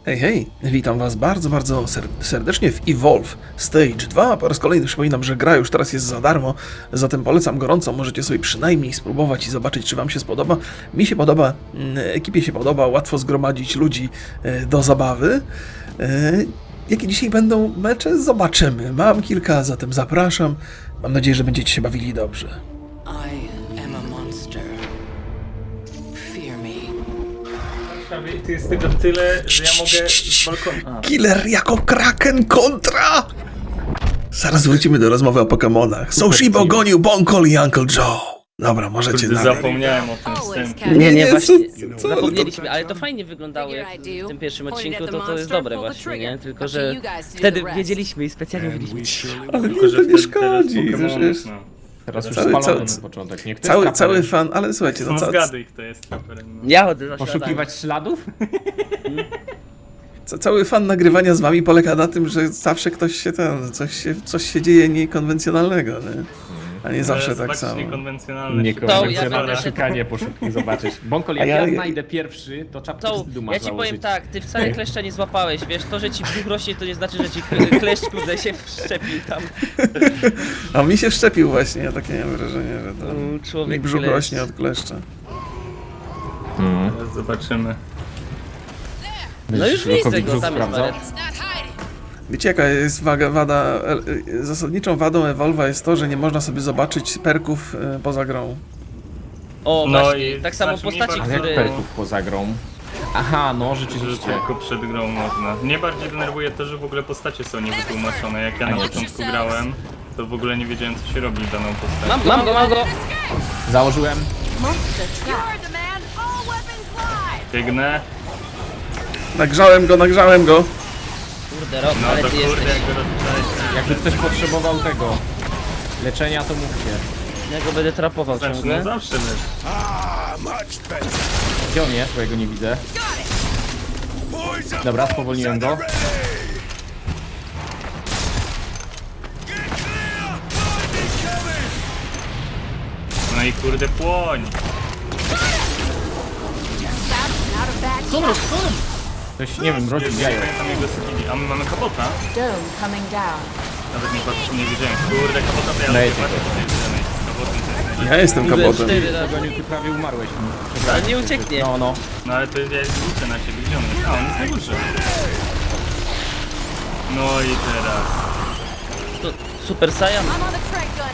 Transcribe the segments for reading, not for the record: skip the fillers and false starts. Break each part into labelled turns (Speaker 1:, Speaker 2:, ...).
Speaker 1: Hej, hej, witam was bardzo serdecznie w Evolve Stage 2. Po raz kolejny przypominam, że gra już teraz jest za darmo, zatem polecam gorąco, możecie sobie przynajmniej spróbować i zobaczyć, czy wam się spodoba. Mi się podoba, ekipie się podoba, łatwo zgromadzić ludzi do zabawy. Jakie dzisiaj będą mecze? Zobaczymy. Mam kilka, zatem zapraszam. Mam nadzieję, że będziecie się bawili dobrze.
Speaker 2: I am a monster. Fear me.
Speaker 3: Tu jest tego tyle, że ja mogę z balkonu...
Speaker 1: Killer jako Kraken kontra! Zaraz wrócimy do rozmowy o Pokemonach. Soshibo gonił Bonkol i Uncle Joe. Dobra, możecie
Speaker 3: Kurde,
Speaker 1: dalej.
Speaker 3: zapomniałem o tym wstępie.
Speaker 4: Nie,
Speaker 1: Jezu,
Speaker 4: właśnie,
Speaker 1: co?
Speaker 4: zapomnieliśmy, ale to fajnie wyglądało jak w tym pierwszym odcinku, to jest dobre właśnie, nie? Tylko, że wtedy wiedzieliśmy i specjalnie mówiliśmy.
Speaker 1: Ale
Speaker 3: Tylko,
Speaker 1: mnie
Speaker 3: że
Speaker 1: to nie
Speaker 3: teraz
Speaker 1: szkodzi,
Speaker 3: Pokemonów,
Speaker 1: przecież
Speaker 3: no.
Speaker 5: Teraz już
Speaker 1: Cały-
Speaker 5: spalony
Speaker 1: cały-
Speaker 5: na początek. Niech to jest
Speaker 1: cały
Speaker 5: traper.
Speaker 1: fan, ale słuchajcie, no
Speaker 3: No zgaduj, kto jest traperem. No.
Speaker 4: Ja chodzę za
Speaker 5: Poszukiwać śladów?
Speaker 1: cały fan nagrywania z wami polega na tym, że zawsze ktoś się coś się dzieje niekonwencjonalnego, nie? A nie zawsze tak
Speaker 3: Zobaczyć
Speaker 1: samo.
Speaker 3: niekonwencjonalne
Speaker 5: Niekonwencjonalne
Speaker 4: ja-
Speaker 5: szukanie, poszukiwanie, zobaczyć. Bonkol,
Speaker 1: A
Speaker 5: jak
Speaker 1: ja-
Speaker 5: ja znajdę pierwszy, to czapkę
Speaker 4: To,
Speaker 5: wstydu masz
Speaker 4: ja ci powiem
Speaker 5: założyć.
Speaker 4: tak, ty wcale kleszcza nie złapałeś, wiesz, to, że ci brzuch rośnie, to nie znaczy, że ci kleszcz kurde się wszczepił tam.
Speaker 1: A mi się wszczepił właśnie, ja takie miałem wrażenie, że to mi
Speaker 4: Człowiek
Speaker 1: brzuch
Speaker 4: kleszcz.
Speaker 1: rośnie od kleszcza.
Speaker 3: Teraz zobaczymy.
Speaker 4: No już
Speaker 5: Lukowi
Speaker 4: widzę go,
Speaker 5: brzuch
Speaker 4: tam jest
Speaker 5: sprawdzał.
Speaker 4: Baret.
Speaker 1: Wiecie jaka jest wada, zasadniczą wadą Evolve'a jest to, że nie można sobie zobaczyć perków poza grą.
Speaker 4: O,
Speaker 3: No
Speaker 4: właśnie,
Speaker 3: i
Speaker 4: tak samo
Speaker 3: znaczy mi
Speaker 4: postaci,
Speaker 5: Ale jak
Speaker 4: które...
Speaker 5: perków poza grą? Aha, no
Speaker 3: Że
Speaker 5: rzeczywiście.
Speaker 3: tylko przed grą można. Mnie bardziej denerwuje to, że w ogóle postacie są niewytłumaczone. Jak ja
Speaker 5: A
Speaker 3: na
Speaker 5: nie.
Speaker 3: początku grałem, to w ogóle nie wiedziałem, co się robi daną postacią.
Speaker 4: Mam go!
Speaker 5: Założyłem.
Speaker 3: Biegnę.
Speaker 1: Nagrzałem go!
Speaker 4: Kurde, Rob,
Speaker 3: No
Speaker 4: ale
Speaker 3: to
Speaker 4: ty
Speaker 3: kurde,
Speaker 4: jesteś.
Speaker 3: jak go rozpoznałeś.
Speaker 5: Jakby ktoś potrzebował tego leczenia, to mówcie.
Speaker 4: Ja go będę trapował
Speaker 3: Znaczy, no
Speaker 4: ciągle.
Speaker 3: zawsze wiesz.
Speaker 5: Gdzie on jest? Bo ja go nie widzę. Dobra, spowolniłem go.
Speaker 3: No i kurde płoń.
Speaker 5: Ktoś, nie wiem, rodził
Speaker 3: Nie
Speaker 5: jajo.
Speaker 3: pamiętam jego skilli. A my mamy kabota?
Speaker 6: Dome coming down.
Speaker 3: Nawet nie patrzę, nie wiedziałem. Kurde, kabota to ja
Speaker 5: Dajcie
Speaker 3: lubię bardzo
Speaker 5: go.
Speaker 3: podejrzany. Z kabotem to jest najlepiej.
Speaker 1: Ja jestem
Speaker 4: Kurde,
Speaker 1: kabotem.
Speaker 4: 4 razy.
Speaker 5: Goniu, ty prawie umarłeś.
Speaker 4: Ale nie ucieknie.
Speaker 5: No, no.
Speaker 3: No ale to ja liczę na ciebie. Gdzie on jest? A, on jest na górze. No i teraz.
Speaker 4: To Super Saiyan?
Speaker 6: I'm on the track gun.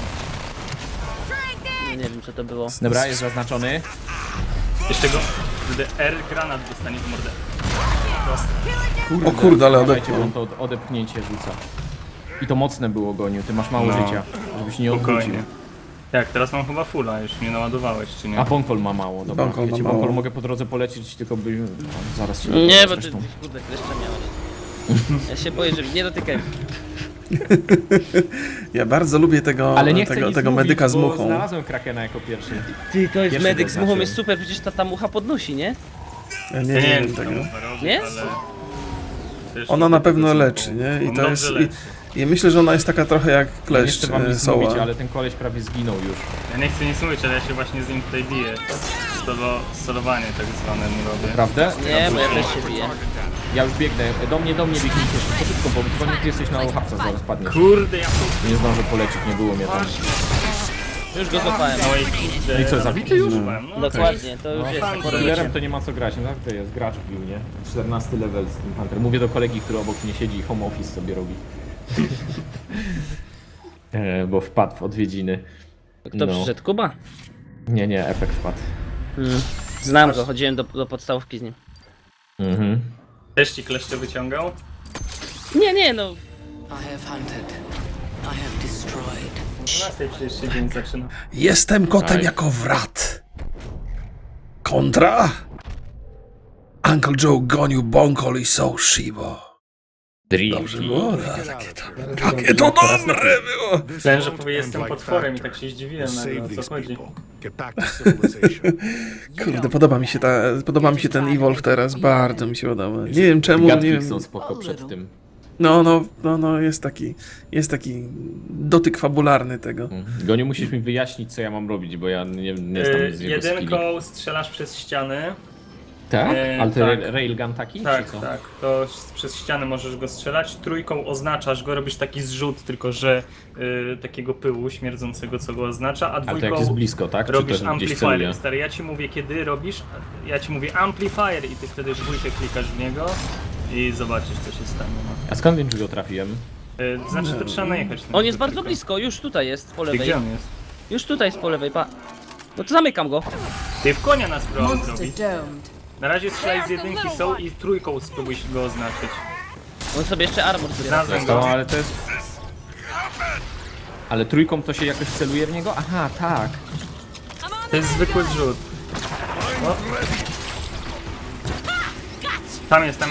Speaker 4: Nie wiem co to było.
Speaker 5: Dobra, jest zaznaczony.
Speaker 3: Jeszcze go. Kurde, R granat dostanie w mordę.
Speaker 1: O kurde, ale
Speaker 5: Uważajcie,
Speaker 1: odepchnął.
Speaker 5: bo on to odepchnięcie rzuca. I to mocne było, Goniu, ty masz mało
Speaker 3: No.
Speaker 5: życia, żebyś nie odwrócił.
Speaker 3: Spokojnie. Tak, teraz mam chyba fulla, już mnie naładowałeś, czy nie?
Speaker 5: A Bonkol ma mało, dobra.
Speaker 1: Bonkol ma
Speaker 5: Ja ci
Speaker 1: mało.
Speaker 5: Bonkol mogę po drodze polecić, tylko by... No, zaraz się
Speaker 4: Nie,
Speaker 5: dopowiem
Speaker 4: bo ty
Speaker 5: zresztą.
Speaker 4: kurde kleszcza miałeś. Ja się boję, że nie dotykaj.
Speaker 1: Ja bardzo lubię tego,
Speaker 5: Ale nie chcę nic
Speaker 1: tego
Speaker 5: mówić,
Speaker 1: medyka z
Speaker 5: bo
Speaker 1: muchą.
Speaker 5: znalazłem Krakena jako pierwszy.
Speaker 4: Ty, to jest
Speaker 5: Pierwszy
Speaker 4: medyk z muchą,
Speaker 5: zaznaczyłem.
Speaker 4: jest super, przecież ta mucha podnosi, nie?
Speaker 1: Ja
Speaker 3: Ja nie wiem,
Speaker 1: wiem
Speaker 3: co
Speaker 1: tego.
Speaker 3: tam można robić,
Speaker 4: Nie?
Speaker 3: ale... Też
Speaker 1: Ona na
Speaker 3: tego
Speaker 1: pewno
Speaker 3: są-
Speaker 1: leczy, nie? I
Speaker 3: On
Speaker 1: to jest.
Speaker 3: dobrze leczy.
Speaker 1: I myślę, że ona jest taka trochę jak
Speaker 5: Nie
Speaker 1: kleszcz
Speaker 5: chcę wam nic mówić,
Speaker 1: Soła.
Speaker 5: ale ten koleś prawie zginął już.
Speaker 3: Ja nie chcę nic mówić, ale ja się właśnie z nim tutaj biję. Solowanie tak zwane mu robię.
Speaker 5: Prawda?
Speaker 4: Nie, bo ja też się biję.
Speaker 5: Ja już biegnę. Do mnie biegnijcie szybko, bo chyba ty jesteś na uchapca, zaraz padniesz.
Speaker 3: Kurde, ja tu...
Speaker 5: Nie zdążę polecieć, nie było mnie tam.
Speaker 4: Już go złapałem.
Speaker 3: No i kurde...
Speaker 5: No i co, zabity już?
Speaker 3: No,
Speaker 4: Dokładnie, to już jest.
Speaker 5: Z killerem to nie ma co grać, no to jest gracz bił, nie? 14 level z tym Hunter. Mówię do kolegi, który obok mnie siedzi i home office sobie robi. Bo wpadł w odwiedziny.
Speaker 4: Kto
Speaker 5: No.
Speaker 4: przyszedł? Kuba?
Speaker 5: Nie, efekt wpadł.
Speaker 4: Znam go, chodziłem do podstawówki z nim.
Speaker 5: Mhm.
Speaker 3: Też ci kleszcze wyciągał?
Speaker 4: Nie, no.
Speaker 2: I have hunted. I have destroyed.
Speaker 3: 12 przecież się dzień zaczyna.
Speaker 1: Jestem kotem
Speaker 5: Aj.
Speaker 1: jako wrat. Kontra? Uncle Joe gonił Bonkol i Soshibo. Dobrze było? Jakie to dobre było!
Speaker 3: Myślałem, że powie, jestem potworem i tak się zdziwiłem, ale o co chodzi.
Speaker 1: Kurde, podoba mi się ten Evolve teraz, bardzo mi się podoba. Nie wiem czemu, nie
Speaker 5: Gatki
Speaker 1: wiem.
Speaker 5: są spoko przed tym.
Speaker 1: No, jest taki dotyk fabularny tego.
Speaker 5: Goniu, musisz mi wyjaśnić, co ja mam robić, bo ja nie znam z jego skilli.
Speaker 3: Jedynką strzelasz przez ściany,
Speaker 5: Tak? Ale to
Speaker 3: tak.
Speaker 5: railgun taki,
Speaker 3: Tak,
Speaker 5: czy co?
Speaker 3: tak. To przez ścianę możesz go strzelać. Trójką oznaczasz go, robisz taki zrzut, tylko że takiego pyłu śmierdzącego, co go oznacza, a
Speaker 5: Ale to jak
Speaker 3: dwójką
Speaker 5: jest blisko, tak? Czy
Speaker 3: robisz
Speaker 5: to gdzieś celuje?
Speaker 3: amplifier. Stary, ja ci mówię kiedy robisz, ja ci mówię amplifier i ty wtedy dwójkę klikasz w niego i zobaczysz co się stanie. No.
Speaker 5: A skąd wiem, że go trafiłem?
Speaker 3: Znaczy to trzeba najechać. na
Speaker 4: On
Speaker 3: niego
Speaker 4: jest bardzo
Speaker 3: tylko.
Speaker 4: blisko, już tutaj jest po
Speaker 3: Ty,
Speaker 4: lewej.
Speaker 3: gdzie on jest?
Speaker 4: Już tutaj jest po lewej, pa. No to zamykam go.
Speaker 3: Ty w konia nas próbował
Speaker 6: Monster
Speaker 3: zrobić.
Speaker 6: domed.
Speaker 3: Na razie strzelaj z jedynki są i trójką spróbuj go oznaczyć.
Speaker 4: On sobie jeszcze armor zbiera.
Speaker 3: Znalazłem
Speaker 5: To,
Speaker 3: go.
Speaker 5: ale to jest... Ale trójką to się jakoś celuje w niego? Aha, tak.
Speaker 3: To jest zwykły zrzut. O. Tam jest.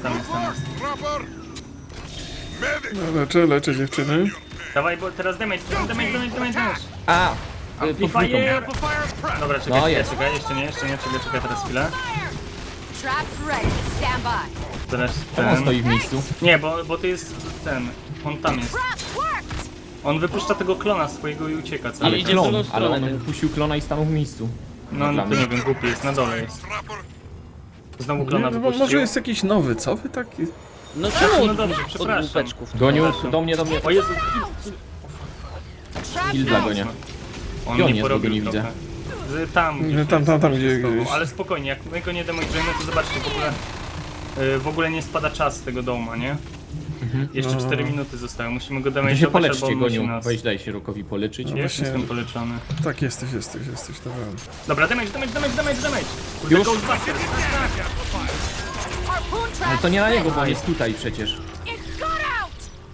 Speaker 1: Leczę dziewczyny.
Speaker 3: Dawaj, bo teraz damage.
Speaker 5: A! Pod trójką.
Speaker 3: Fire! Dobra, czekaj,
Speaker 5: No, jest.
Speaker 3: czekaj, jeszcze nie, czekaj teraz chwilę.
Speaker 6: Trap ready. Stand by.
Speaker 3: Teraz
Speaker 5: Czemu on
Speaker 3: ten...
Speaker 5: stoi w miejscu?
Speaker 3: Nie, bo to jest ten... On tam jest.
Speaker 6: Trap worked.
Speaker 3: On wypuszcza tego klona swojego i ucieka, co?
Speaker 5: Ale
Speaker 4: idzie w drugą
Speaker 5: klon, ale
Speaker 4: stronę,
Speaker 5: on
Speaker 4: ten.
Speaker 5: wypuścił klona i stanął w miejscu.
Speaker 3: No,
Speaker 5: dla
Speaker 3: to
Speaker 5: mnie.
Speaker 3: nie wiem, głupi jest, na dole jest. Znowu
Speaker 1: Nie,
Speaker 3: klona
Speaker 1: no, bo
Speaker 3: wypuścił.
Speaker 1: może jest jakiś nowy, co wy taki?
Speaker 4: No czemu
Speaker 3: No
Speaker 4: od,
Speaker 3: dobrze,
Speaker 4: od
Speaker 3: przepraszam.
Speaker 4: łupeczków?
Speaker 5: Goniu,
Speaker 3: Przepraszam.
Speaker 5: do mnie.
Speaker 3: O Jezu,
Speaker 6: Trap
Speaker 5: Kill dla gonia.
Speaker 3: on
Speaker 5: Gdzie on
Speaker 3: nie
Speaker 5: jest, bo go
Speaker 3: porobił
Speaker 5: nie
Speaker 3: trochę.
Speaker 5: widzę?
Speaker 3: Tam, gdzie
Speaker 1: Tam, gdzie gdzieś.
Speaker 3: Ale spokojnie, jak my go nie demolujemy, to zobaczcie, w ogóle nie spada czas z tego doma, nie? Jeszcze 4 minuty zostały, musimy go
Speaker 5: To się
Speaker 3: demontować, albo
Speaker 5: poleczcie,
Speaker 3: on musi
Speaker 5: Goniu.
Speaker 3: nas.
Speaker 5: Weź daj się Rokowi poleczyć.
Speaker 3: Jest,
Speaker 1: właśnie-
Speaker 3: jestem poleczony.
Speaker 1: Tak, jesteś, dobra.
Speaker 3: Dobra, damage! Kurde,
Speaker 5: Już?
Speaker 3: Ghostbuster!
Speaker 6: Harpoon trap.
Speaker 5: Ale to nie na niego, bo on jest tutaj przecież.
Speaker 6: It got out.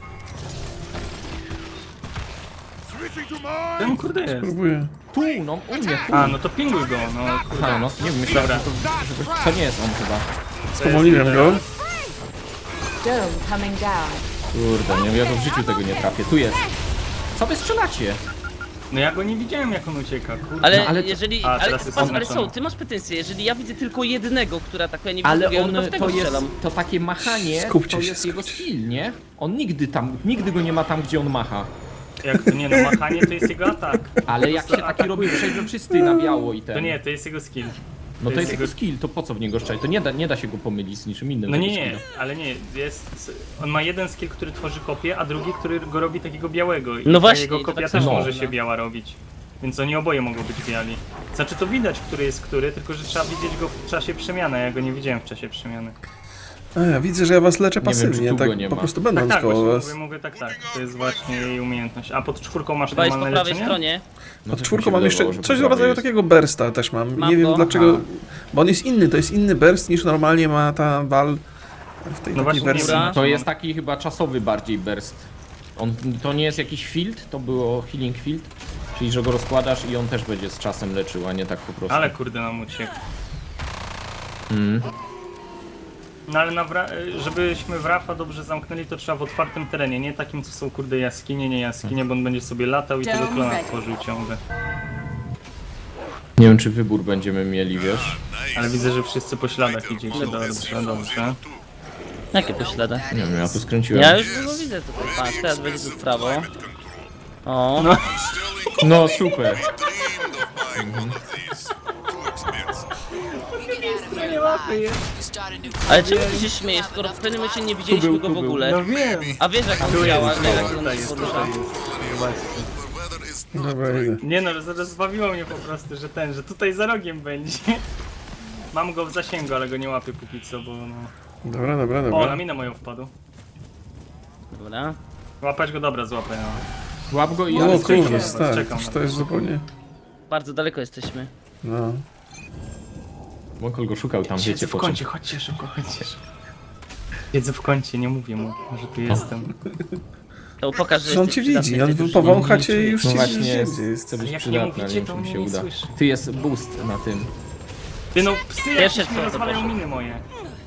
Speaker 3: Ten kurde jest.
Speaker 1: Próbuję.
Speaker 5: Tu, no u mnie, tu.
Speaker 3: A, no to pinguj go, no kurde.
Speaker 5: Aha, no nie wiem, myślałem, że to nie jest on chyba.
Speaker 1: Spomoliłem go.
Speaker 6: Dome coming down.
Speaker 5: Kurde, nie, ja to w życiu tego nie trafię. Tu jest. Co wy strzelacie?
Speaker 3: No ja go nie widziałem jak on ucieka, kurde.
Speaker 4: Ale,
Speaker 5: No, ale to-
Speaker 4: jeżeli.
Speaker 3: A,
Speaker 4: Ale,
Speaker 3: teraz jest
Speaker 4: ale
Speaker 3: oznaczony.
Speaker 4: są, ty masz pretensje. Jeżeli ja widzę tylko jednego, która atakuje, nie widzę
Speaker 5: Ale
Speaker 4: drugiego,
Speaker 5: on,
Speaker 4: no to w tego
Speaker 5: to jest,
Speaker 4: strzelam.
Speaker 5: to takie machanie,
Speaker 1: Skupcie
Speaker 5: to
Speaker 1: się,
Speaker 5: jest jego
Speaker 1: skupcie.
Speaker 5: skill, nie? On nigdy go nie ma tam, gdzie on macha.
Speaker 3: Jak to nie, no machanie to jest jego atak.
Speaker 5: Ale jak się taki robi przejrzysty na biało i ten...
Speaker 3: To nie, to jest jego skill.
Speaker 5: No to jest jego skill, to po co w niego strzelać? To nie da się go pomylić z niczym innym.
Speaker 3: No
Speaker 5: tego
Speaker 3: nie,
Speaker 5: skilla.
Speaker 3: ale nie, on ma jeden skill, który tworzy kopię, a drugi, który go robi takiego białego. I
Speaker 4: No
Speaker 3: ta
Speaker 4: właśnie,
Speaker 3: jego
Speaker 4: to
Speaker 3: kopia
Speaker 4: tak
Speaker 3: też
Speaker 5: samo.
Speaker 3: może się biała robić. Więc oni oboje mogą być biali. Znaczy to widać, który jest który, tylko że trzeba widzieć go w czasie przemiany, a ja go nie widziałem w czasie przemiany.
Speaker 1: A ja widzę, że ja was leczę
Speaker 5: Nie wiem,
Speaker 1: pasywnie,
Speaker 5: czy tu
Speaker 1: tak
Speaker 5: go nie
Speaker 1: po
Speaker 5: ma.
Speaker 1: prostu
Speaker 3: Tak,
Speaker 1: będąc
Speaker 3: tak,
Speaker 1: koło
Speaker 3: właśnie
Speaker 1: was.
Speaker 3: mówię tak, to jest właśnie jej umiejętność. A pod czwórką masz
Speaker 4: Chyba jest po
Speaker 3: normalne
Speaker 4: prawej
Speaker 3: leczenie?
Speaker 4: stronie.
Speaker 5: No
Speaker 1: Pod
Speaker 5: też
Speaker 1: czwórką
Speaker 5: mi się
Speaker 1: mam jeszcze
Speaker 5: wydawało, że
Speaker 1: coś
Speaker 5: po
Speaker 1: w rodzaju
Speaker 5: prawej jest.
Speaker 1: takiego bursta też mam.
Speaker 4: Mam
Speaker 1: Nie wiem
Speaker 4: go.
Speaker 1: dlaczego, bo on jest inny, to jest inny burst niż normalnie ma ta Val w tej
Speaker 3: No
Speaker 1: takiej
Speaker 3: właśnie, nie
Speaker 1: wersji.
Speaker 3: wiem.
Speaker 5: To jest taki chyba czasowy bardziej burst. To nie jest jakiś field, to było healing field. Czyli, że go rozkładasz i on też będzie z czasem leczył, a nie tak po prostu.
Speaker 3: Ale kurde nam uciekł.
Speaker 5: Mm.
Speaker 3: No ale żebyśmy Wrafa dobrze zamknęli, to trzeba w otwartym terenie, nie takim co są kurde jaskinie, nie jaskinie, bo on będzie sobie latał i tego klona tworzył ciągle.
Speaker 5: Nie wiem, czy wybór będziemy mieli, wiesz?
Speaker 3: Ale widzę, że wszyscy po śladach idziecie, dobrze.
Speaker 4: Jakie poślady?
Speaker 5: Nie wiem, ja tu skręciłem.
Speaker 4: Ja już go widzę tutaj. Patrz, teraz będzie tu w prawo. O,
Speaker 5: No super.
Speaker 4: ale czemu ty się śmiejesz, skoro w pewnym momencie nie widzieliśmy
Speaker 5: był,
Speaker 4: go
Speaker 5: tu
Speaker 4: w
Speaker 5: był.
Speaker 4: ogóle?
Speaker 3: No wiem!
Speaker 4: A wiesz jak on działa, wiesz jak on się porusza.
Speaker 1: Dobra, idę.
Speaker 3: Nie no, rozbawiło mnie po prostu, że tutaj za rogiem będzie. Mam go w zasięgu, ale go nie łapię póki co, bo no...
Speaker 1: Dobra.
Speaker 3: O, na minę moją wpadł.
Speaker 4: Dobra.
Speaker 3: Łapać go, dobra, złapę, no.
Speaker 5: Łap go i...
Speaker 1: No
Speaker 5: ale
Speaker 3: czekam,
Speaker 1: kurde, stary,
Speaker 3: czekam
Speaker 1: to
Speaker 3: na
Speaker 1: jest zupełnie...
Speaker 4: Bardzo daleko jesteśmy.
Speaker 1: No.
Speaker 5: Mokol go szukał tam,
Speaker 3: Siedzę
Speaker 5: wiecie
Speaker 3: w
Speaker 5: po czym.
Speaker 3: kącie, chodźcie szybko, chodźcie. Siedzę w kącie, nie mówię mu, że tu jestem.
Speaker 4: To pokaż, że
Speaker 1: Że on
Speaker 4: jesteś
Speaker 1: cię
Speaker 4: przydatny
Speaker 1: widzi,
Speaker 4: w tej
Speaker 1: on
Speaker 4: drużynie.
Speaker 1: powącha cię i już
Speaker 5: No
Speaker 1: cię
Speaker 5: właśnie,
Speaker 1: wie,
Speaker 5: chcę
Speaker 1: gdzie jest.
Speaker 5: być
Speaker 3: Jak nie
Speaker 5: przydatny, ale
Speaker 3: mówicie,
Speaker 5: nie
Speaker 3: to
Speaker 5: wiem, czy mi się
Speaker 3: mnie nie
Speaker 5: uda.
Speaker 3: słyszy.
Speaker 5: Tu jest boost na tym.
Speaker 3: Ty no, psy
Speaker 4: Pierwsze
Speaker 3: jakieś mi
Speaker 4: co, to
Speaker 3: rozwalają
Speaker 4: poszło.
Speaker 3: miny moje.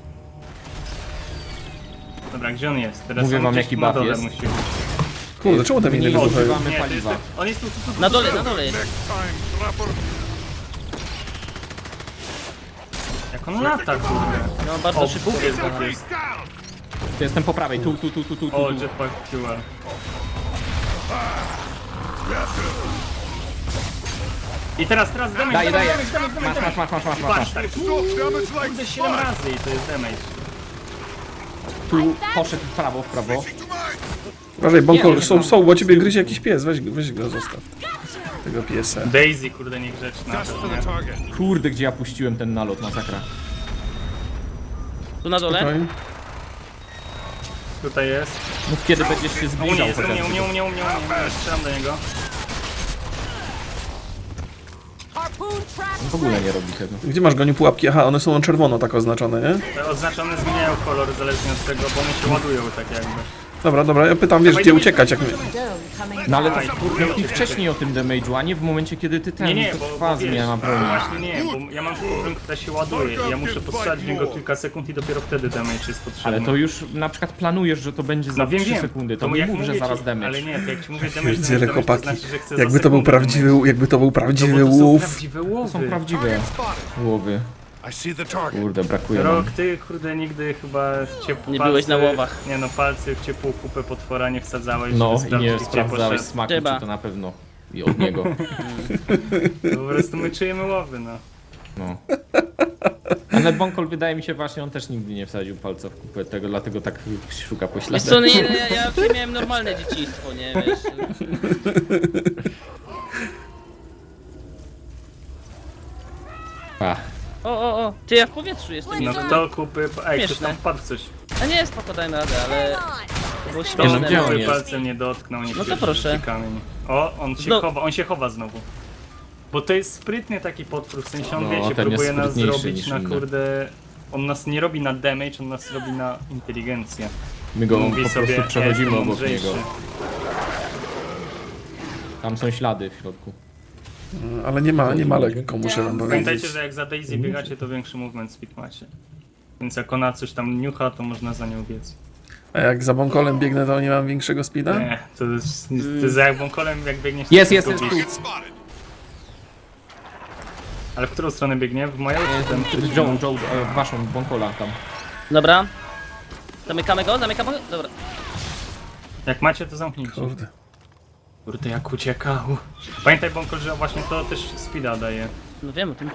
Speaker 3: Dobra, gdzie on jest? Teraz
Speaker 5: Mówię
Speaker 3: on
Speaker 5: wam,
Speaker 3: gdzieś
Speaker 5: jaki
Speaker 3: tu na
Speaker 5: buff
Speaker 3: dole
Speaker 5: jest.
Speaker 3: musi być.
Speaker 1: Kurde, czemu te miny
Speaker 5: Nie
Speaker 1: wybuchają?
Speaker 5: używamy
Speaker 3: Nie, to jest,
Speaker 5: paliwa.
Speaker 3: on jest tu.
Speaker 4: Na dole jest.
Speaker 3: Jak on lata, kurde.
Speaker 4: No bardzo
Speaker 3: O,
Speaker 4: szybko
Speaker 3: Bóg jest,
Speaker 4: rozwala.
Speaker 3: Bóg jest.
Speaker 5: To jestem po prawej, tu.
Speaker 3: O, jetpack fuel. I teraz damage,
Speaker 5: Daję.
Speaker 3: damage.
Speaker 5: Masz.
Speaker 3: Tak, kurde 7 razy i to jest damage.
Speaker 5: Tu poszedł w prawo.
Speaker 1: Uważaj, Bonkol,
Speaker 5: Nie,
Speaker 1: są, bo ciebie gryzie jakiś pies, weź go, zostaw. Tego piesa.
Speaker 3: Daisy, kurde, niegrzeczna. Nie?
Speaker 5: Kurde, gdzie ja puściłem ten nalot, masakra.
Speaker 4: Tu na dole?
Speaker 1: Spokojnie.
Speaker 3: Tutaj jest.
Speaker 5: Mów kiedy będziesz się
Speaker 3: U mnie
Speaker 5: zbliżał
Speaker 3: jest,
Speaker 5: chociażby.
Speaker 3: u mnie. Strzelam do niego.
Speaker 6: Harpoon trap
Speaker 5: W ogóle nie robi tego.
Speaker 1: Gdzie masz, Goniu, pułapki? Aha, one są na czerwono tak oznaczone, nie?
Speaker 3: Te oznaczone zmieniają kolor zależnie od tego, bo one się ładują tak jakby.
Speaker 1: Dobra, ja pytam, wiesz, gdzie uciekać, jak my...
Speaker 6: dome coming
Speaker 5: No ale
Speaker 6: down.
Speaker 5: to kurde, i wcześniej o tym damage'u, a nie w momencie kiedy ty ten,
Speaker 3: Nie,
Speaker 5: to
Speaker 3: bo
Speaker 5: trwa
Speaker 3: wiesz,
Speaker 5: zmiana broni.
Speaker 3: właśnie nie, bo ja mam taką broń, która się ładuje i ja muszę postrzelać w niego kilka sekund i dopiero wtedy damage jest potrzebny.
Speaker 5: Ale to już na przykład planujesz, że to będzie za
Speaker 3: no wiem,
Speaker 5: 3
Speaker 3: wiem.
Speaker 5: sekundy, to nie
Speaker 3: jak
Speaker 5: mów, że
Speaker 3: mówię
Speaker 5: zaraz
Speaker 3: ci-
Speaker 5: damage.
Speaker 3: Ale nie, to jak ci mówię damage,
Speaker 1: Pierdziele,
Speaker 3: to
Speaker 1: chłopaki,
Speaker 3: znaczy, że chcę za
Speaker 1: jakby to był
Speaker 3: sekundę
Speaker 1: prawdziwy,
Speaker 3: damage.
Speaker 1: jakby to był
Speaker 3: No
Speaker 1: prawdziwy
Speaker 3: bo to są
Speaker 1: łów.
Speaker 3: prawdziwe
Speaker 5: To
Speaker 3: łowy.
Speaker 5: są prawdziwe łowy.
Speaker 7: I see the target.
Speaker 5: Kurde, brakuje nam.
Speaker 3: Rok, ty kurde nigdy chyba ciepło
Speaker 4: Nie byłeś na łowach.
Speaker 3: Nie no, palcy w ciepłą kupę potwora nie wsadzałeś,
Speaker 5: No
Speaker 3: żeby
Speaker 5: i nie
Speaker 3: sprawdzić, gdzie
Speaker 5: sprawdzałeś
Speaker 3: poszedł.
Speaker 5: smaku,
Speaker 4: Trzeba.
Speaker 5: czy to na pewno i od niego.
Speaker 3: Po prostu my czujemy łowy, no.
Speaker 5: No. Ale Bonkol wydaje mi się właśnie, on też nigdy nie wsadził palca w kupę tego, dlatego tak szuka
Speaker 4: Wiesz
Speaker 5: pośladek.
Speaker 4: co, nie, ja miałem normalne dzieciństwo, nie, wiesz.
Speaker 5: Ach,
Speaker 4: O, ty ja w powietrzu jestem.
Speaker 3: No kto kupy... Ej, ktoś
Speaker 4: Śmieszne.
Speaker 3: tam wpadł w coś.
Speaker 4: A nie, spoko, dajmy radę, ale to było
Speaker 3: To
Speaker 5: no,
Speaker 4: śmieszne.
Speaker 5: gdzie on
Speaker 3: kupy
Speaker 5: jest?
Speaker 3: palcem nie dotknął, nie
Speaker 4: No to
Speaker 3: pierwszy
Speaker 4: proszę.
Speaker 3: rzuci kamień. O, on się chowa znowu. Bo to jest sprytny taki potwór, w sensie on
Speaker 5: No,
Speaker 3: wiecie,
Speaker 5: ten jest
Speaker 3: próbuje nas
Speaker 5: sprytniejszy
Speaker 3: zrobić
Speaker 5: niż
Speaker 3: na
Speaker 5: inne.
Speaker 3: kurde... On nas nie robi na damage, on nas robi na inteligencję.
Speaker 5: my go
Speaker 3: Mówi
Speaker 5: po
Speaker 3: sobie,
Speaker 5: prostu
Speaker 3: ja
Speaker 5: przechodzimy
Speaker 3: jestem
Speaker 5: obok
Speaker 3: mądrzejszy.
Speaker 5: niego. Tam są ślady w środku.
Speaker 1: Ale nie ma lekko, muszę wam powiedzieć.
Speaker 3: Pamiętajcie, że jak za Daisy biegacie, to większy movement speed macie. Więc jak ona coś tam niucha, to można za nią biec.
Speaker 1: A jak za Bonkolem biegnę, to nie mam większego speeda?
Speaker 3: Nie, to jest jak wąkolem, jak biegniesz... to
Speaker 5: Jest,
Speaker 3: tylko
Speaker 5: tu.
Speaker 3: bieg. Ale w którą stronę biegnie? W moją czy ten?
Speaker 5: Joe, waszą Bonkola tam.
Speaker 4: Dobra. Zamykamy go? Dobra.
Speaker 3: Jak macie, to zamknijcie.
Speaker 1: Kurde.
Speaker 3: Kurde, jak uciekał. Pamiętaj, Bonkol, że właśnie to też speeda daje.
Speaker 4: No wiem o tym.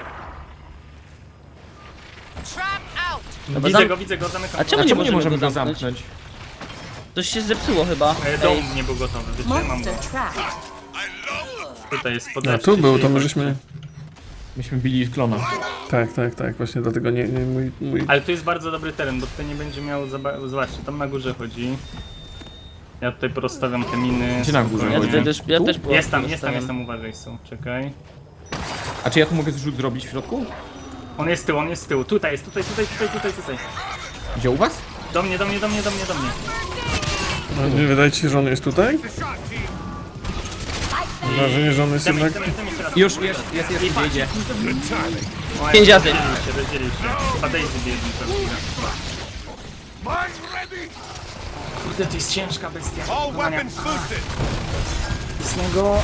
Speaker 6: Trap out.
Speaker 4: Dobra,
Speaker 3: Widzę go, zamykam.
Speaker 4: A
Speaker 3: go.
Speaker 4: czemu
Speaker 5: A
Speaker 4: nie
Speaker 5: czemu nie
Speaker 4: możemy
Speaker 5: możemy
Speaker 4: go
Speaker 5: go
Speaker 4: zamknąć?
Speaker 5: zamknąć?
Speaker 4: Coś się zepsuło chyba.
Speaker 3: Dom nie był gotowy, wytrzymam go.
Speaker 6: Monster trap.
Speaker 3: Tutaj jest
Speaker 1: No
Speaker 3: podleczcie
Speaker 1: tu był,
Speaker 3: się
Speaker 1: to
Speaker 3: i
Speaker 1: my
Speaker 3: chodźcie.
Speaker 1: żeśmy...
Speaker 5: Myśmy bili klona.
Speaker 1: Tak, właśnie dlatego nie mój...
Speaker 3: Ale tu jest bardzo dobry teren, bo tutaj nie będzie miał... Zobaczcie, tam na górze chodzi. Ja tutaj porozstawiam te miny.
Speaker 5: Gdzie na górze
Speaker 4: Ja
Speaker 5: chodzi?
Speaker 4: też byłem.
Speaker 3: Jestem, uważaj są, czekaj.
Speaker 5: A czy ja tu mogę zrzut zrobić w środku?
Speaker 3: On jest z tyłu, tutaj jest, tutaj.
Speaker 5: Gdzie u was?
Speaker 3: Do mnie.
Speaker 1: No, nie wydaje ci się, że on jest tutaj? Mam wrażenie, że on jest jednak...
Speaker 3: Dam jeszcze raz.
Speaker 5: Już, jest, idzie.
Speaker 3: O,
Speaker 4: 5 razy.
Speaker 3: Rozdzielił się. Chyba Daisy bierze pewnie. Kurde, to jest ciężka bestia.
Speaker 7: All weapons boosted.
Speaker 3: Z niego...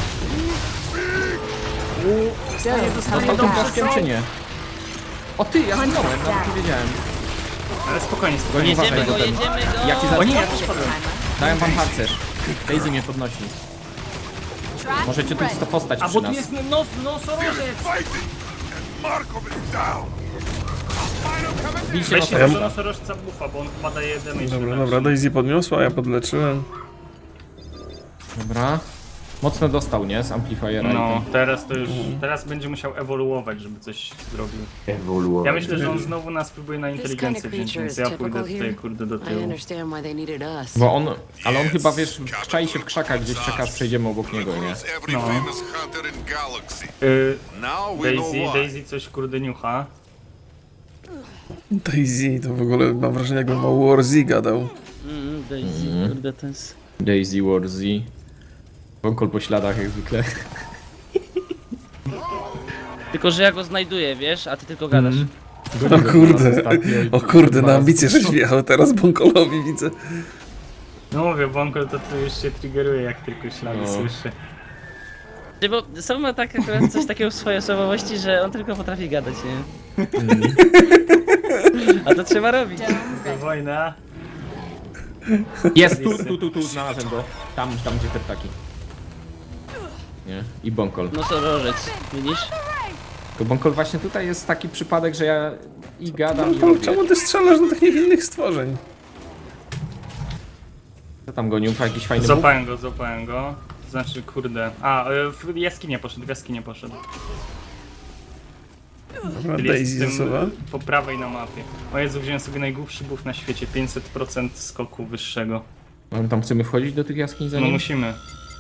Speaker 6: Dome
Speaker 5: Dostał
Speaker 6: coming
Speaker 5: tą
Speaker 6: down.
Speaker 5: blaszkiem czy nie? O ty, ja zginąłem, nawet nie wiedziałem.
Speaker 3: Ale spokojnie.
Speaker 4: Jedziemy go.
Speaker 5: Ja ci
Speaker 3: O
Speaker 5: zaraz
Speaker 3: nie, ja też padłem.
Speaker 5: dałem wam harcerz. Daisy mnie podnosi.
Speaker 6: Trap
Speaker 5: Możecie tu
Speaker 6: ready.
Speaker 5: postać
Speaker 3: A
Speaker 5: przy
Speaker 3: bo tu
Speaker 5: nas.
Speaker 3: jest nosorożec!
Speaker 7: Fighting. And Markov is down.
Speaker 5: Bijcie
Speaker 3: Weźcie
Speaker 5: nos.
Speaker 3: do nosorożca buffa, bo on chyba daje damage.
Speaker 1: Dobra, Daisy podniosła, a ja podleczyłem.
Speaker 5: Dobra. Mocno dostał, nie? Z amplifiera
Speaker 3: No, teraz to już... Teraz będzie musiał ewoluować, żeby coś zrobił.
Speaker 5: Ewoluował.
Speaker 3: Ja myślę, że on znowu nas próbuje na
Speaker 2: This kind of
Speaker 3: inteligencję wziąć,
Speaker 2: creature
Speaker 3: więc
Speaker 2: is
Speaker 3: ja
Speaker 2: typical
Speaker 3: pójdę tutaj,
Speaker 2: here.
Speaker 3: kurde, do
Speaker 2: I
Speaker 3: tyłu.
Speaker 2: understand why they needed us.
Speaker 5: Bo on, ale on chyba, wiesz, czai się w krzakach, gdzieś czeka, aż przejdziemy obok niego, nie?
Speaker 7: Every famous hunter in galaxy. Now we know why.
Speaker 3: Daisy coś, kurde, niucha.
Speaker 1: Daisy, to w ogóle mam wrażenie, jakbym o Warzy gadał.
Speaker 4: Daisy, kurde, to jest...
Speaker 5: Daisy, Warzy. Wąkol po śladach, jak zwykle.
Speaker 4: Tylko, że ja go znajduję, wiesz, a ty tylko gadasz.
Speaker 1: O kurde, na ambicje żeś wjechał teraz Bonkolowi, widzę.
Speaker 3: No mówię, Bonkol to tu już się triggeruje, jak tylko ślady
Speaker 5: No.
Speaker 3: słyszy.
Speaker 4: Bo Sam ma tak akurat coś takiego w swojej osobowości, że on tylko potrafi gadać, nie? A to trzeba robić.
Speaker 6: Dome
Speaker 3: To
Speaker 6: ready.
Speaker 3: wojna.
Speaker 5: Jest, tu, znalazłem go. Tam, gdzie te ptaki. nie? I Bonkol.
Speaker 4: No co, rożec, widzisz?
Speaker 5: Tylko Bonkol właśnie tutaj jest taki przypadek, że ja i gadam i
Speaker 1: No,
Speaker 5: robię.
Speaker 1: czemu ty strzelasz do tych niewinnych stworzeń?
Speaker 5: Co tam gonił? Jakiś fajny bóg?
Speaker 3: Złapałem go. Znaczy, kurde. A, w jaskinię poszedł.
Speaker 1: Dobra,
Speaker 3: Czyli jest
Speaker 1: Daisy
Speaker 3: w tym,
Speaker 1: zasuwa.
Speaker 3: po prawej na mapie. O Jezu, wziąłem sobie najgłupszy buff na świecie, 500% skoku wyższego.
Speaker 5: No, tam chcemy wchodzić do tych jaskiń za
Speaker 3: No
Speaker 5: nim?
Speaker 3: musimy.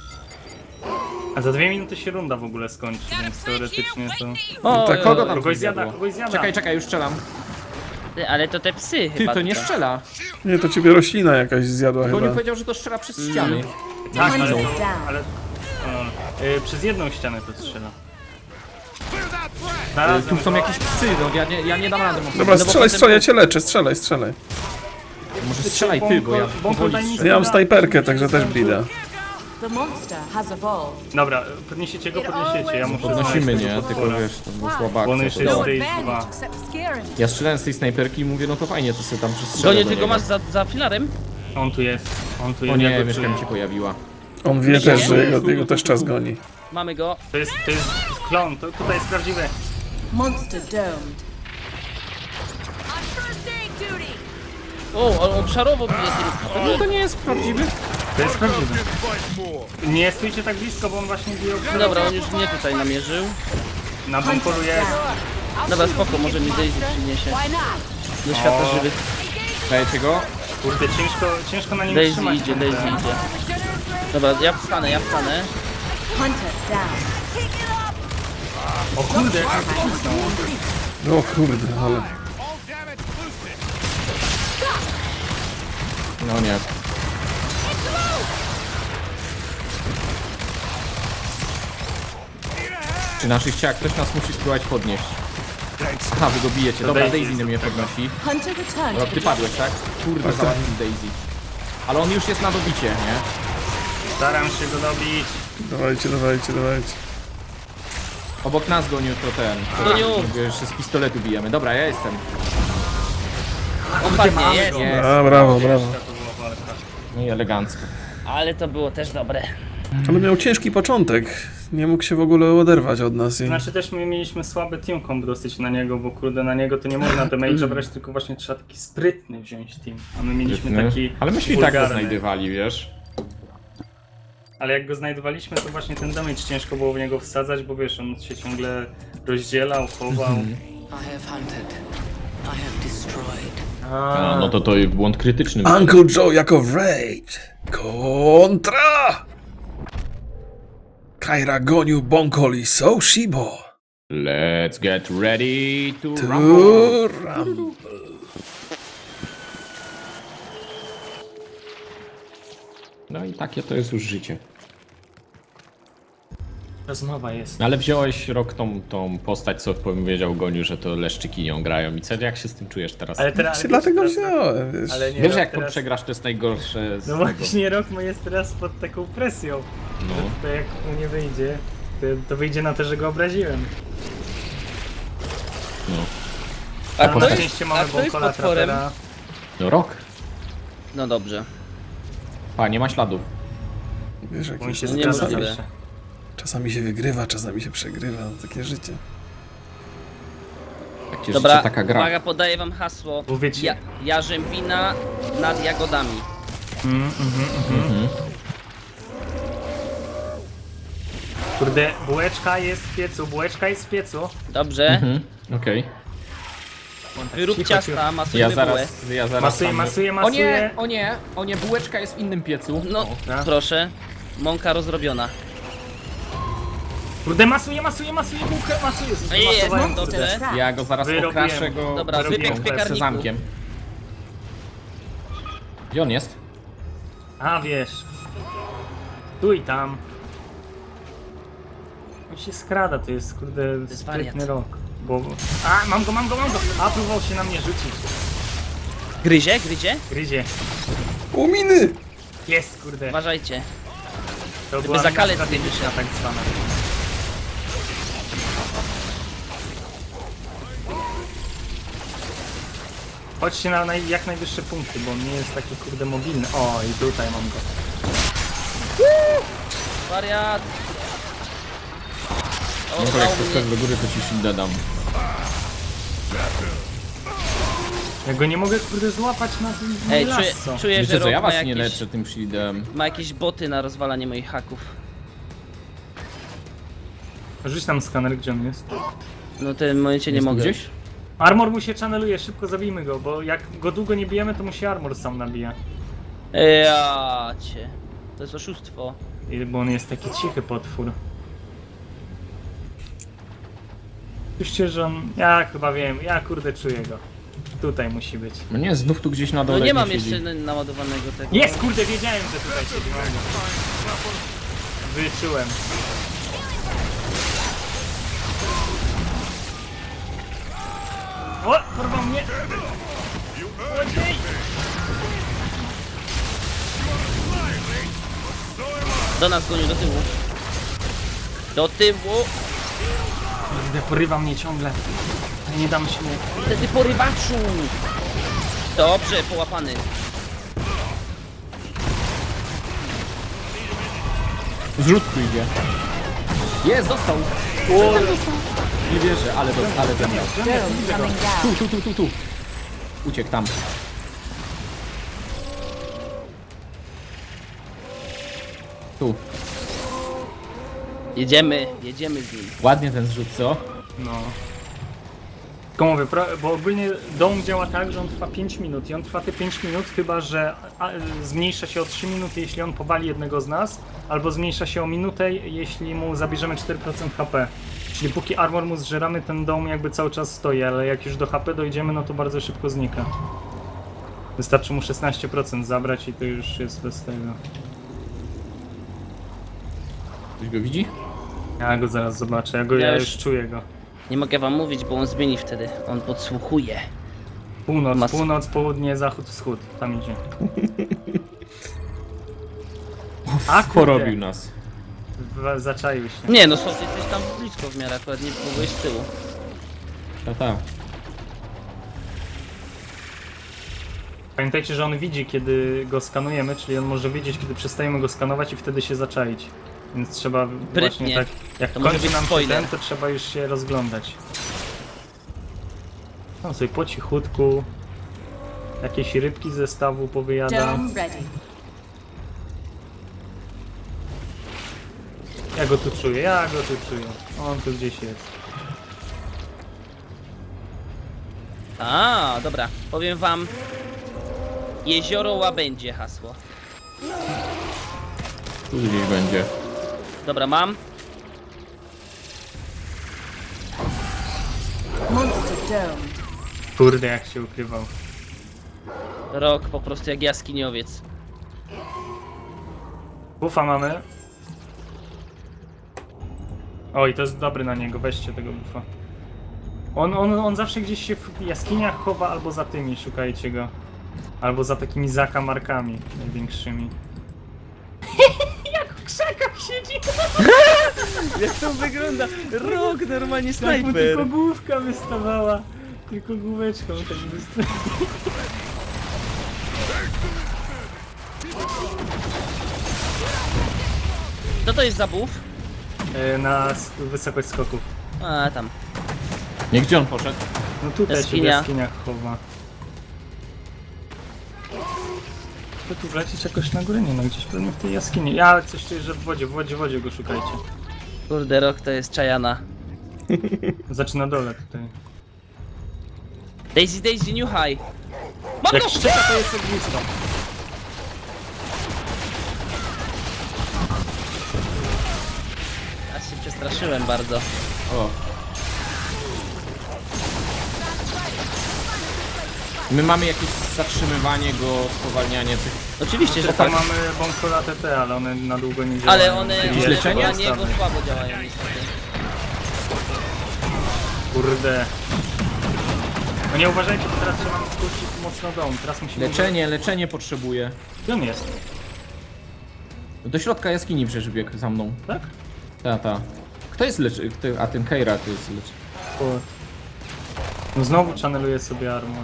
Speaker 3: A za 2 minuty się runda w ogóle skończy, więc teoretycznie to...
Speaker 4: O,
Speaker 1: tak,
Speaker 5: Kogo tam
Speaker 3: Kogoś
Speaker 5: coś
Speaker 3: zjada,
Speaker 5: zjadło?
Speaker 3: kogoś zjada.
Speaker 5: Czekaj, już strzelam.
Speaker 4: ty, ale to te psy
Speaker 5: Ty,
Speaker 4: chyba.
Speaker 5: to nie
Speaker 4: tylko.
Speaker 5: strzela.
Speaker 1: Nie, to ciebie roślina jakaś zjadła
Speaker 5: Goniu
Speaker 1: chyba.
Speaker 5: powiedział, że to strzela przez ściany.
Speaker 3: Tak, ale,
Speaker 5: widzą.
Speaker 3: ale przez jedną ścianę to strzela.
Speaker 5: Tu są jakieś psy, no ja nie dam rady.
Speaker 1: Dobra,
Speaker 4: bo
Speaker 1: strzelaj,
Speaker 4: potem-
Speaker 1: ja cię leczę, strzelaj.
Speaker 5: Może strzelaj ty, bo ja powoli
Speaker 3: daj mi
Speaker 5: strzelam.
Speaker 1: Ja mam snajperkę, także też blida.
Speaker 6: The monster has evolved.
Speaker 3: Dobra, podniesiecie go, ja muszę
Speaker 5: Podnosimy,
Speaker 3: znaleźć
Speaker 5: nie?
Speaker 3: tego
Speaker 5: Tylko
Speaker 3: potwora.
Speaker 5: wiesz, to było słaba
Speaker 3: Bo on
Speaker 5: akcja.
Speaker 3: jeszcze
Speaker 5: to
Speaker 3: jest
Speaker 5: dało.
Speaker 3: stage 2.
Speaker 6: except scaring.
Speaker 5: Ja strzelałem z tej snajperki i mówię, no to fajnie, to sobie tam przestrzelę
Speaker 4: Goniu,
Speaker 5: do
Speaker 4: ty go
Speaker 5: niego.
Speaker 4: masz za filarem?
Speaker 3: On tu jest,
Speaker 5: O
Speaker 3: ja
Speaker 5: nie,
Speaker 3: go
Speaker 5: myszka
Speaker 3: czuję.
Speaker 5: mi się pojawiła.
Speaker 1: On wie też, że jego też czas goni.
Speaker 4: Mamy go.
Speaker 3: To jest klon, to tutaj jest prawdziwe.
Speaker 6: Monster domed.
Speaker 4: O, on szarowo bije tym.
Speaker 5: No to nie jest prawdziwy.
Speaker 3: To jest prawdziwe. Nie stójcie tak blisko, bo on właśnie bije o
Speaker 4: Dobra, on już mnie tutaj namierzył.
Speaker 3: Na bunkolu jest.
Speaker 4: Dobra, spoko, może mi Daisy przyniesie. Do świata żywych.
Speaker 5: Dajecie go?
Speaker 3: Kurde, ciężko na nim
Speaker 4: Daisy
Speaker 3: trzymać.
Speaker 4: idzie, Daisy idzie. Dobra, ja wstanę.
Speaker 6: Hunter down.
Speaker 3: O kurde, jak on pocisnął.
Speaker 1: O kurde, ale...
Speaker 5: No nie. Czy naszych ciach ktoś nas musi spróbować podnieść? Aha, wy go bijecie. Dobra,
Speaker 3: Daisy
Speaker 5: Daisy mnie podnosi.
Speaker 6: Hunter returned.
Speaker 5: Dobra, ty padłeś, tak? Kurde, załatwił Daisy. Ale on już jest na dobicie, nie?
Speaker 3: Staram się go dobić.
Speaker 1: Dawajcie.
Speaker 5: Obok nas gonił to ten.
Speaker 4: Goniu!
Speaker 5: Jeszcze z pistoletu bijemy. Dobra, ja jestem.
Speaker 4: On padnie, jest.
Speaker 5: Jest.
Speaker 1: A, brawo.
Speaker 3: To była walka.
Speaker 5: No i elegancko.
Speaker 4: Ale to było też dobre.
Speaker 1: Ale miał ciężki początek. Nie mógł się w ogóle oderwać od nas i...
Speaker 3: Znaczy też my mieliśmy słaby team comp dosyć na niego, bo kurde na niego to nie można damage'a brać, tylko właśnie trzeba taki sprytny wziąć team. A my mieliśmy taki
Speaker 5: Ale myśmy i tak go
Speaker 3: wulgarny.
Speaker 5: znajdywali, wiesz?
Speaker 3: Ale jak go znajdowaliśmy, to właśnie ten damage ciężko było w niego wsadzać, bo wiesz, on się ciągle rozdzielał, chował.
Speaker 2: I have hunted. I have destroyed.
Speaker 5: A, no to błąd krytyczny.
Speaker 1: Uncle Joe jako Wraith. Kontra! Kaira gonił Bonkol i So Shibo.
Speaker 5: Let's get ready to rumble.
Speaker 1: Tu Rumble.
Speaker 5: No i takie to jest już życie.
Speaker 3: Rozmowa jest.
Speaker 5: No ale wziąłeś rok tą postać, co powiedział Goniu, że to leszczyki nią grają. I co, jak się z tym czujesz teraz?
Speaker 3: Ale teraz...
Speaker 1: Dlatego wziąłem, wiesz.
Speaker 3: Ale nie,
Speaker 5: Wiesz,
Speaker 3: rok
Speaker 5: jak to
Speaker 3: teraz...
Speaker 5: przegrasz, to jest najgorsze z
Speaker 3: No
Speaker 5: tego.
Speaker 3: właśnie, Rockman jest teraz pod taką presją.
Speaker 5: No.
Speaker 3: To jak mu nie wyjdzie, to wyjdzie na to, że go obraziłem.
Speaker 5: No.
Speaker 4: A
Speaker 3: Na
Speaker 4: kto jest,
Speaker 3: szczęście
Speaker 4: a
Speaker 3: mamy
Speaker 4: kto jest
Speaker 3: Bonkola
Speaker 4: potworem?
Speaker 3: Trapera.
Speaker 5: No rok.
Speaker 4: No dobrze.
Speaker 5: A, nie ma śladów.
Speaker 1: Wiesz, jak
Speaker 3: Bo on
Speaker 1: jest.
Speaker 3: się
Speaker 4: No
Speaker 3: zgadza
Speaker 4: niemożliwe.
Speaker 3: zawsze.
Speaker 1: Czasami się wygrywa, czasami się przegrywa. Takie życie.
Speaker 5: Takie
Speaker 4: Dobra,
Speaker 5: życie, taka gra.
Speaker 4: uwaga, podaję wam hasło.
Speaker 3: Bo wiecie-
Speaker 4: Jarzębina nad jagodami.
Speaker 3: Kurde, bułeczka jest w piecu,
Speaker 4: Dobrze.
Speaker 5: Mhm, okej.
Speaker 4: Wyrób
Speaker 3: Cicho,
Speaker 4: ciasta, masujemy
Speaker 5: Ja
Speaker 4: bułę.
Speaker 5: zaraz
Speaker 3: Masuję,
Speaker 5: tam- O nie, bułeczka jest w innym piecu.
Speaker 4: No,
Speaker 3: tak.
Speaker 4: proszę. Mąka rozrobiona.
Speaker 3: Kurde, masuję bułkę,
Speaker 4: Jest,
Speaker 3: Zmasowałem,
Speaker 4: dobrze.
Speaker 5: Ja go zaraz
Speaker 3: Wyrobiłem.
Speaker 5: okraszę go
Speaker 4: Dobra,
Speaker 3: Wyrobiłem
Speaker 4: wypiek w
Speaker 3: chleb.
Speaker 4: piekarniku.
Speaker 5: sezamkiem. Gdzie on jest?
Speaker 3: A wiesz. Tu i tam. On się skrada, to jest kurde
Speaker 4: jest
Speaker 3: sprytny
Speaker 4: wariat.
Speaker 3: rok. Bo... A, mam go! A, próbował się na mnie rzucić.
Speaker 4: Gryzie?
Speaker 3: Gryzie.
Speaker 1: Uminy!
Speaker 3: Jest, kurde.
Speaker 4: Uważajcie.
Speaker 3: To była
Speaker 4: zakalec
Speaker 3: mina
Speaker 4: nie
Speaker 3: strategiczna tak zwana. Chodźcie na jak najwyższe punkty, bo on nie jest taki kurde mobilny. O, i tutaj mam go.
Speaker 4: Wariat. O,
Speaker 5: No to jak
Speaker 4: o,
Speaker 5: to skok do góry, to ci shielda dam.
Speaker 3: Ja go nie mogę kurde złapać na tym
Speaker 4: Ej,
Speaker 3: lasso.
Speaker 4: czuję, że
Speaker 5: Wiecie co,
Speaker 4: Rock
Speaker 5: ja
Speaker 4: ma
Speaker 5: was nie
Speaker 4: jakieś,
Speaker 5: leczę tym shieldem.
Speaker 4: ma jakieś boty na rozwalanie moich haków.
Speaker 3: Rzuć tam skaner, gdzie on jest.
Speaker 4: No w tym momencie nie
Speaker 5: Jest tu
Speaker 4: mogę.
Speaker 5: gdzieś?
Speaker 3: Armor mu się channeluje, szybko zabijmy go, bo jak go długo nie bijemy, to mu się armor sam nabija.
Speaker 4: Ja cię. To jest oszustwo.
Speaker 3: Bo on jest taki cichy potwór. Słyszcie, że on... Ja chyba wiem, ja kurde czuję go. Tutaj musi być.
Speaker 5: No nie, znów tu gdzieś na
Speaker 4: No
Speaker 5: dole
Speaker 4: nie mam
Speaker 5: siedzi.
Speaker 4: jeszcze naładowanego tego.
Speaker 3: Jest, kurde, wiedziałem, że tutaj siedzi. Mam go. Wyczułem. O, porwał mnie! Ojej!
Speaker 4: Do nas gonił, do tyłu. Do tyłu!
Speaker 3: Kurde, porywa mnie ciągle. Ale nie dam się mu...
Speaker 4: Wtedy porywaczu! Dobrze, połapany.
Speaker 5: Zrzut tu idzie. Jest, dostał! Nie wierzę, ale ten miał.
Speaker 6: Dome coming down.
Speaker 5: Tu. Uciekł tam. Tu.
Speaker 4: Jedziemy z nim.
Speaker 5: Ładnie ten zrzut, co?
Speaker 3: No. Tylko mówię, bo ogólnie dom działa tak, że on trwa 5 minut i on trwa te 5 minut, chyba że zmniejsza się o 3 minuty, jeśli on powali jednego z nas, albo zmniejsza się o minutę, jeśli mu zabierzemy 4% HP. Czyli póki armor mu zżeramy, ten dom jakby cały czas stoi, ale jak już do HP dojdziemy, no to bardzo szybko znika. Wystarczy mu 16% zabrać i to już jest bez tego.
Speaker 5: Ktoś go widzi?
Speaker 3: Ja go zaraz zobaczę,
Speaker 4: Ja
Speaker 3: ja
Speaker 4: już-
Speaker 3: już czuję go.
Speaker 4: Nie mogę wam mówić, bo on zmieni wtedy. On podsłuchuje.
Speaker 3: Północ, północ, południe, zachód, wschód. Tam idzie. A
Speaker 5: Porobił nas.
Speaker 3: Zaczaił się.
Speaker 4: Nie no, Sof, jesteś tam blisko w miarę, akurat nie byłeś z tyłu.
Speaker 5: Ta.
Speaker 3: Pamiętajcie, że on widzi, kiedy go skanujemy, czyli on może wiedzieć, kiedy przestajemy go skanować i wtedy się zaczaić. Więc trzeba właśnie tak, jak
Speaker 4: To może
Speaker 3: kończy
Speaker 4: być
Speaker 3: nam się
Speaker 4: spoiler.
Speaker 3: ten, to trzeba już się rozglądać. No sobie po cichutku. Jakieś rybki z zestawu powyjada.
Speaker 6: Dome ready.
Speaker 3: Ja go tu czuję. On tu gdzieś jest.
Speaker 4: A, dobra, powiem wam. Jezioro Łabędzie hasło.
Speaker 5: Tu gdzieś będzie.
Speaker 4: Dobra, mam.
Speaker 6: Monster domed.
Speaker 3: Kurde, jak się ukrywał.
Speaker 4: Rok po prostu jak jaskiniowiec.
Speaker 3: Buffa mamy. Oj, to jest dobry na niego, weźcie tego buffa. On zawsze gdzieś się w jaskiniach chowa, albo za tymi, szukajcie go. Albo za takimi zakamarkami największymi. Jak w krzakach siedzi!
Speaker 4: Jak to wygląda? Rok, normalnie
Speaker 3: Tak mu tylko główka wystawała. Tylko główeczką tak wystawała.
Speaker 4: Co to jest za buff?
Speaker 3: Na wysokość skoków.
Speaker 4: A, tam.
Speaker 5: Nie, gdzie on poszedł?
Speaker 3: No tutaj się w
Speaker 4: Jaskinia.
Speaker 3: jaskiniach chowa. To tu wlecieć jakoś na górę? Nie no, gdzieś pewnie w tej jaskini. Ja coś czuję, że w wodzie go szukajcie.
Speaker 4: Kurde, Rok to jest czajana.
Speaker 3: Zaczyna dole tutaj.
Speaker 4: Daisy, New High. Mam
Speaker 3: Jak
Speaker 4: go!
Speaker 3: szczeka, to jest ognisko.
Speaker 4: Ja się przestraszyłem bardzo.
Speaker 5: O. My mamy jakieś zatrzymywanie go, spowalnianie tych...
Speaker 4: Oczywiście, że
Speaker 3: Że
Speaker 4: tak.
Speaker 3: tam mamy bąkola TT, ale one na długo nie działają.
Speaker 4: Ale one
Speaker 5: Jakieś leczenie?
Speaker 4: na niego słabo działają niestety.
Speaker 3: Kurde. No nie uważajcie, bo teraz trzeba nam skrócić mocno dom. Teraz musimy...
Speaker 5: Leczenie potrzebuje.
Speaker 3: Gdzie on jest?
Speaker 5: Do środka jaskini przecież biegł za mną.
Speaker 3: Tak?
Speaker 5: Ta. Kto jest a ten Keira to jest
Speaker 3: O. No znowu channeluje sobie armor.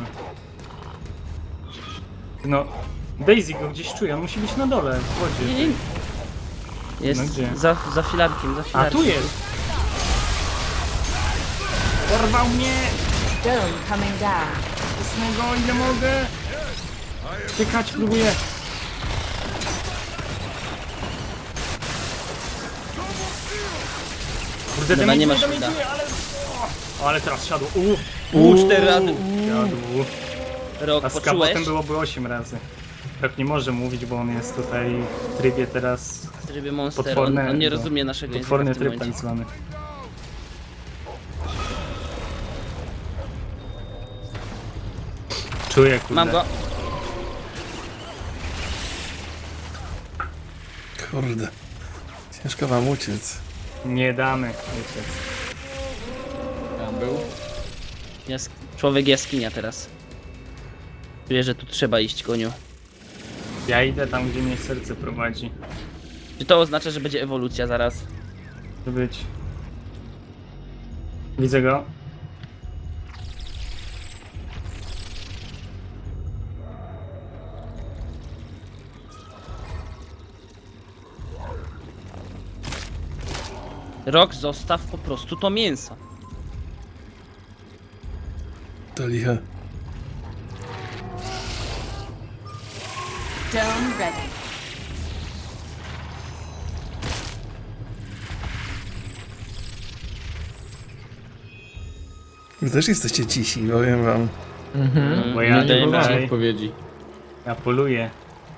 Speaker 3: No... Daisy go gdzieś czuje, on musi być na dole, w wodzie.
Speaker 4: Nie. Jest
Speaker 3: No gdzie?
Speaker 4: za filarkiem, za
Speaker 3: A
Speaker 4: filarkiem.
Speaker 3: tu jest! Dorwał mnie!
Speaker 6: Dome coming down.
Speaker 3: Jasnego, ile mogę! Tykać próbuję. Kurde,
Speaker 4: Dobra, nie masz
Speaker 3: damage'uje,
Speaker 4: szkoda.
Speaker 3: ale... O, ale teraz siadło.
Speaker 4: 4 razy.
Speaker 3: Siadło.
Speaker 4: Rok,
Speaker 3: A z
Speaker 4: poczułeś?
Speaker 3: kapotem byłoby 8 razy. Tak nie może mówić, bo on jest tutaj w trybie teraz...
Speaker 4: W trybie Monster,
Speaker 3: Potworne-
Speaker 4: on nie
Speaker 3: no,
Speaker 4: rozumie naszego języka
Speaker 3: Potworny
Speaker 4: w tym
Speaker 3: tryb tak
Speaker 4: momencie.
Speaker 3: zwany. Czuję, kurde.
Speaker 4: Mam go.
Speaker 1: Kurde. Ciężko wam uciec.
Speaker 3: Nie damy uciec.
Speaker 5: Tam był.
Speaker 4: Człowiek jaskinia teraz. Czuję, że tu trzeba iść, koniu.
Speaker 3: Ja idę tam, gdzie mnie serce prowadzi.
Speaker 4: Czy to oznacza, że będzie ewolucja zaraz?
Speaker 3: Może być. Widzę go.
Speaker 4: Rok, zostaw po prostu to mięso.
Speaker 1: To liche.
Speaker 6: Dome ready.
Speaker 1: Wy też jesteście cisi, powiem wam.
Speaker 3: Bo ja
Speaker 4: nie dajemy
Speaker 5: Wybrałem
Speaker 3: tutaj,
Speaker 5: odpowiedzi.
Speaker 3: ja poluję.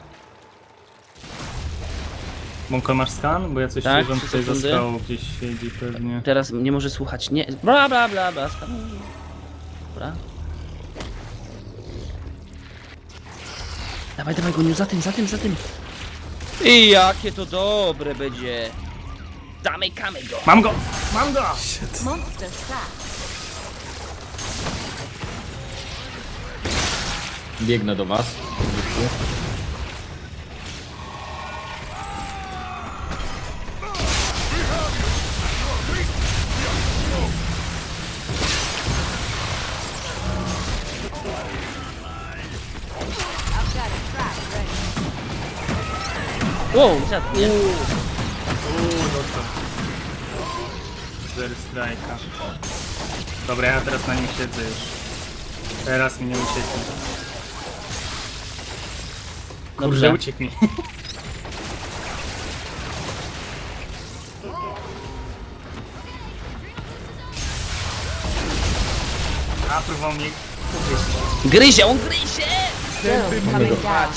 Speaker 3: Mąko, masz skan? Bo ja coś
Speaker 4: Tak,
Speaker 3: czuję, że on
Speaker 4: 3
Speaker 3: tutaj za
Speaker 4: sekundy.
Speaker 3: skałą gdzieś siedzi pewnie.
Speaker 4: Teraz nie może słuchać. Nie. Bla bla bla bla. Dobra. Dawaj, dawaj, goniu, za tym, za tym, za tym. I jakie to dobre będzie. Zamykamy go.
Speaker 3: Mam go! Mam go!
Speaker 1: Shit.
Speaker 6: Monster trap.
Speaker 5: Biegnę do was.
Speaker 4: Wow, zjadł mnie.
Speaker 3: Dostał. Zero strajka. Dobra, ja teraz na nim siedzę już. Teraz mi nie ucieknie. Kurde,
Speaker 4: Dobrze.
Speaker 3: uciekł mi. A, próbował mnie ugryźć.
Speaker 4: Gryzie, on gryzie!
Speaker 6: Dome coming down.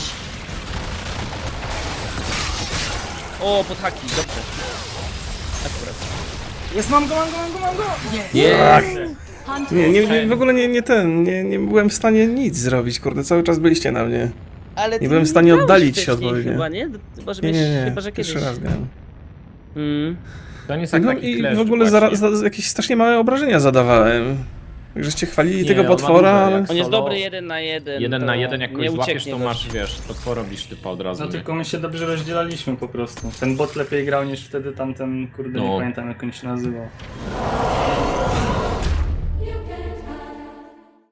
Speaker 4: O, pod haki, dobrze. Akurat.
Speaker 3: Jest, mam go, mam go, mam go, mam go!
Speaker 6: Hunter
Speaker 1: Nie, w ogóle nie byłem w stanie nic zrobić, kurde, cały czas byliście na mnie.
Speaker 4: Ale ty
Speaker 1: byłem w stanie
Speaker 4: grałeś
Speaker 1: oddalić się
Speaker 4: wcześniej
Speaker 1: odpowiednio.
Speaker 4: Chyba, nie? Chyba, że, chyba, że kiedyś.
Speaker 1: Pierwszy raz miałem.
Speaker 5: To nie jest tak
Speaker 1: No
Speaker 5: taki
Speaker 1: i
Speaker 5: kleszcz
Speaker 1: w ogóle
Speaker 5: właśnie.
Speaker 1: jakieś strasznie małe obrażenia zadawałem. Żeście chwalili
Speaker 5: Nie,
Speaker 1: tego
Speaker 5: on ma
Speaker 1: potwora,
Speaker 5: duże,
Speaker 1: ale...
Speaker 5: jak
Speaker 4: On jest
Speaker 5: solo.
Speaker 4: dobry 1 na 1.
Speaker 5: 1 na 1, jak
Speaker 4: nie
Speaker 5: kogoś złapiesz,
Speaker 4: ucieknie
Speaker 5: to
Speaker 4: gość.
Speaker 5: masz, wiesz, to porobisz typa od razu.
Speaker 3: No
Speaker 5: nie?
Speaker 3: tylko my się dobrze rozdzielaliśmy po prostu. Ten bot lepiej grał niż wtedy tamten, kurde, nie
Speaker 5: No.
Speaker 3: pamiętam jak on się nazywał.